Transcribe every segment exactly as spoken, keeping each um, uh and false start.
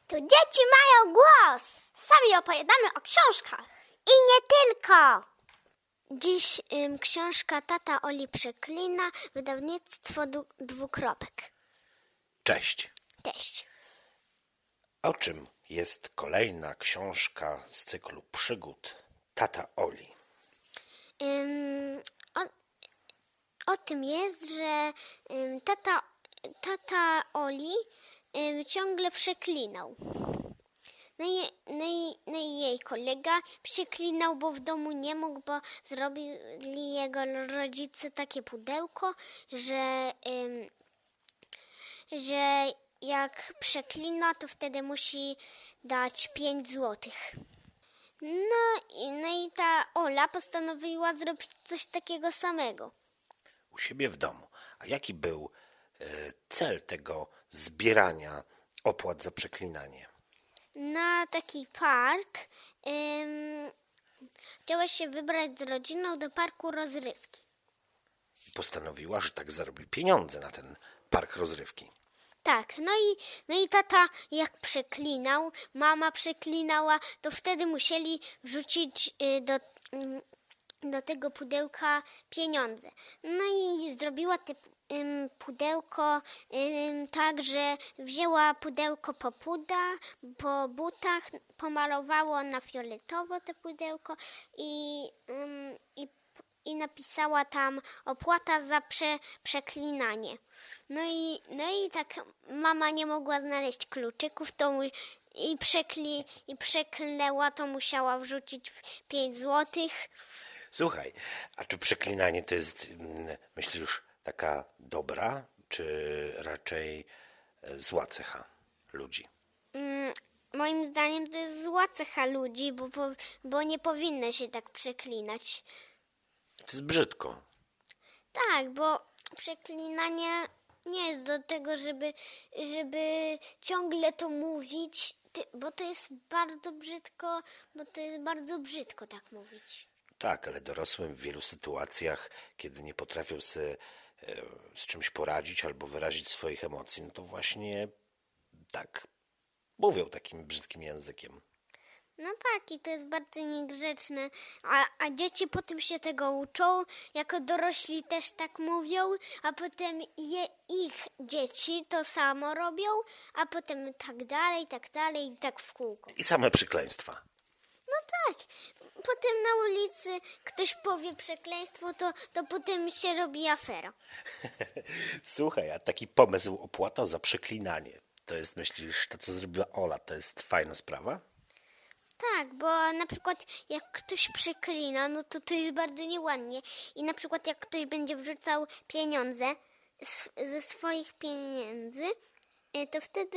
Tu dzieci mają głos. Sami opowiadamy o książkach. I nie tylko. Dziś ym, książka Tata Oli przeklina, wydawnictwo du- dwukropek. Cześć. Cześć. O czym jest kolejna książka z cyklu przygód Tata Oli? Ym, o, o tym jest, że ym, tata, tata Oli ym, ciągle przeklinał. No i, no, i, no i jej kolega przeklinał, bo w domu nie mógł, bo zrobili jego rodzice takie pudełko, że, ym, że jak przeklina, to wtedy musi dać pięć złotych. No i, no i ta Ola postanowiła zrobić coś takiego samego. U siebie w domu. A jaki był e, cel tego zbierania opłat za przeklinanie? Na taki park ym, chciała się wybrać z rodziną do parku rozrywki. Postanowiła, że tak zarobi pieniądze na ten park rozrywki. Tak, no i, no i tata jak przeklinał, mama przeklinała, to wtedy musieli wrzucić y, do, ym, do tego pudełka pieniądze. No i zrobiła te ym, pudełko ym, tak, że wzięła pudełko po puda, po butach, pomalowało na fioletowo te pudełko i, ym, i i napisała tam opłata za prze, przeklinanie. No i, no i tak mama nie mogła znaleźć kluczyków to mu, i, przekli, i przeklęła, to musiała wrzucić pięć złotych. Słuchaj, a czy przeklinanie to jest, mm, myślisz, taka dobra, czy raczej e, zła cecha ludzi? Mm, moim zdaniem to jest zła cecha ludzi, bo, bo, bo nie powinno się tak przeklinać. To jest brzydko. Tak, bo przeklinanie nie jest do tego, żeby, żeby ciągle to mówić, ty- bo to jest bardzo brzydko, bo to jest bardzo brzydko tak mówić. Tak, ale dorosłym w wielu sytuacjach, kiedy nie potrafią sobie e, z czymś poradzić albo wyrazić swoich emocji, no to właśnie tak mówią takim brzydkim językiem. No tak, i to jest bardzo niegrzeczne, a, a dzieci potem się tego uczą, jako dorośli też tak mówią, a potem je, ich dzieci to samo robią, a potem tak dalej, tak dalej i tak w kółko. I same przekleństwa. No tak, potem na ulicy ktoś powie przekleństwo, to, to potem się robi afera. Słuchaj, a taki pomysł opłata za przeklinanie, to jest, myślisz, to co zrobiła Ola, to jest fajna sprawa? Tak, bo na przykład jak ktoś przeklina, no to to jest bardzo nieładnie. I na przykład jak ktoś będzie wrzucał pieniądze z, ze swoich pieniędzy, y, to wtedy,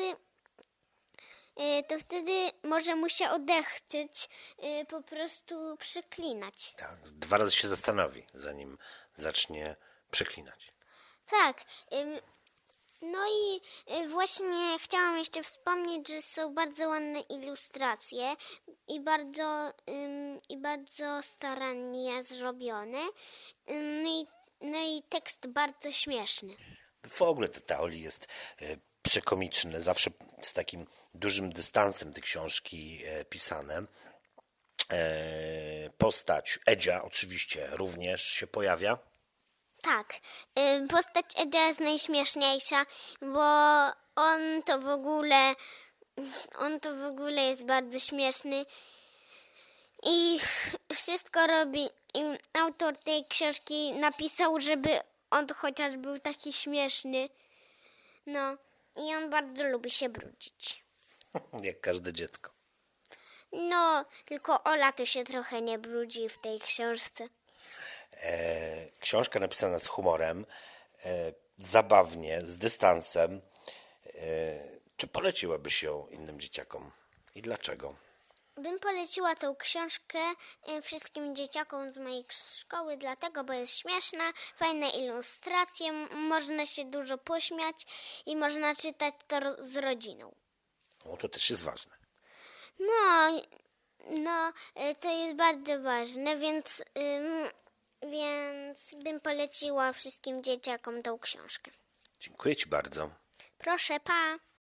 y, to wtedy może mu się odechcieć y, po prostu przeklinać. Tak, dwa razy się zastanowi, zanim zacznie przeklinać. Tak. ym, No i y, właśnie chciałam jeszcze wspomnieć, że są bardzo ładne ilustracje i bardzo, ym, i bardzo starannie zrobione. Ym, No i, no i tekst bardzo śmieszny. W ogóle Tata Oli jest e, przekomiczny, zawsze z takim dużym dystansem te książki e, pisane. E, postać Edzia oczywiście również się pojawia. Tak, ym, postać Edzia jest najśmieszniejsza, bo on to w ogóle, on to w ogóle jest bardzo śmieszny i wszystko robi. I autor tej książki napisał, żeby on chociaż był taki śmieszny. No i on bardzo lubi się brudzić. Jak każde dziecko. No, tylko Ola to się trochę nie brudzi w tej książce. E, książka napisana z humorem, e, zabawnie, z dystansem. E, czy poleciłabyś ją innym dzieciakom? I dlaczego? Bym poleciła tą książkę y, wszystkim dzieciakom z mojej szkoły, dlatego, bo jest śmieszna, fajne ilustracje, m- można się dużo pośmiać i można czytać to ro- z rodziną. O, to też jest ważne. No, no, y, to jest bardzo ważne, więc, ym, więc bym poleciła wszystkim dzieciakom tą książkę. Dziękuję Ci bardzo. Proszę, pa!